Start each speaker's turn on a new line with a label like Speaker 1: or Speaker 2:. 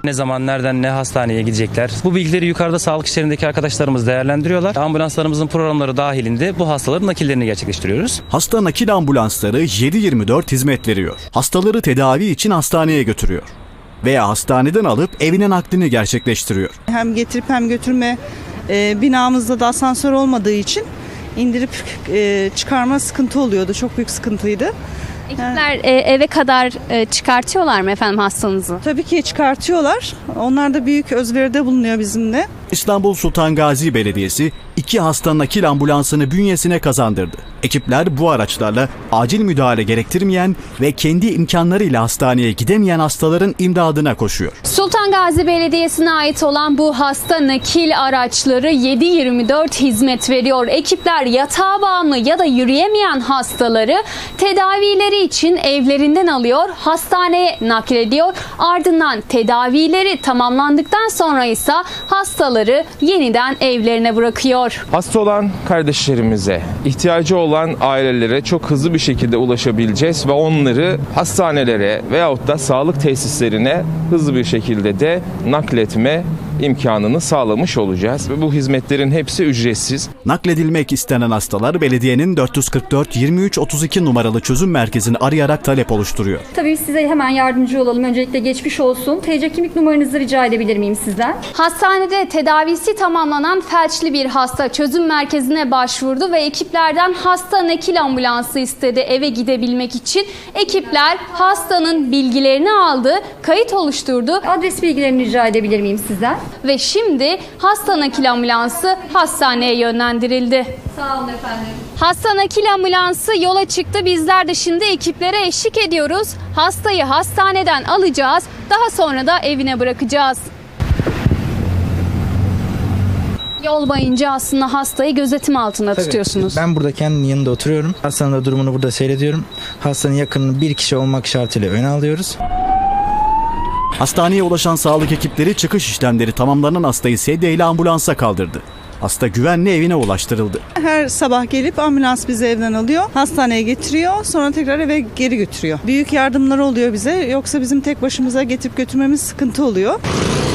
Speaker 1: Ne zaman, nereden, ne hastaneye gidecekler. Bu bilgileri yukarıda sağlık işlerindeki arkadaşlarımız değerlendiriyorlar. Ambulanslarımızın programları dahilinde bu hastaların nakillerini gerçekleştiriyoruz.
Speaker 2: Hasta nakil ambulansları 7/24 hizmet veriyor. Hastaları tedavi için hastaneye götürüyor. Veya hastaneden alıp evine naklini gerçekleştiriyor.
Speaker 3: Hem getirip hem götürme, binamızda da asansör olmadığı için indirip çıkarma sıkıntı oluyordu. Çok büyük sıkıntıydı.
Speaker 4: Ekipler eve kadar çıkartıyorlar mı efendim hastanızı?
Speaker 3: Tabii ki çıkartıyorlar. Onlar da büyük özveride bulunuyor bizimle.
Speaker 2: İstanbul Sultan Gazi Belediyesi 2 hasta nakil ambulansını bünyesine kazandırdı. Ekipler bu araçlarla acil müdahale gerektirmeyen ve kendi imkanlarıyla hastaneye gidemeyen hastaların imdadına koşuyor.
Speaker 4: Sultan Gazi Belediyesi'ne ait olan bu hasta nakil araçları 7/24 hizmet veriyor. Ekipler yatağa bağımlı ya da yürüyemeyen hastaları tedavileri için evlerinden alıyor, hastaneye naklediyor. Ardından tedavileri tamamlandıktan sonra ise hastaları yeniden evlerine bırakıyor.
Speaker 5: Hasta olan kardeşlerimize, ihtiyacı olan ailelere çok hızlı bir şekilde ulaşabileceğiz ve onları hastanelere veyahut da sağlık tesislerine hızlı bir şekilde de nakletme imkanını sağlamış olacağız. Ve bu hizmetlerin hepsi ücretsiz.
Speaker 2: Nakledilmek istenen hastalar belediyenin 444 23 32 numaralı çözüm merkezini arayarak talep oluşturuyor.
Speaker 6: Tabii size hemen yardımcı olalım. Öncelikle geçmiş olsun. TC kimlik numaranızı rica edebilir miyim sizden?
Speaker 4: Hastanede tedavisi tamamlanan felçli bir hasta çözüm merkezine başvurdu ve ekiplerden hasta nakil ambulansı istedi eve gidebilmek için. Ekipler hastanın bilgilerini aldı, kayıt oluşturdu
Speaker 6: Adres bilgilerini rica edebilir miyim sizden?
Speaker 4: ve şimdi hasta nakil ambulansı hastaneye yönlendirildi.
Speaker 6: Sağ olun efendim.
Speaker 4: Hasta nakil ambulansı yola çıktı. Bizler de şimdi ekiplere eşlik ediyoruz. Hastayı hastaneden alacağız. Daha sonra da evine bırakacağız. Yol boyunca aslında hastayı gözetim altında tutuyorsunuz.
Speaker 7: Ben burada kendinin yanında oturuyorum. Hastanın da durumunu burada seyrediyorum. Hastanın yakınını bir kişi olmak şartıyla öne alıyoruz.
Speaker 2: Hastaneye ulaşan sağlık ekipleri çıkış işlemleri tamamlanan hastayı sedyeyle ambulansa kaldırdı. Hasta güvenli evine ulaştırıldı.
Speaker 3: Her sabah gelip ambulans bizi evden alıyor, hastaneye getiriyor, sonra tekrar eve geri götürüyor. Büyük yardımlar oluyor bize, yoksa bizim tek başımıza getirip götürmemiz sıkıntı oluyor.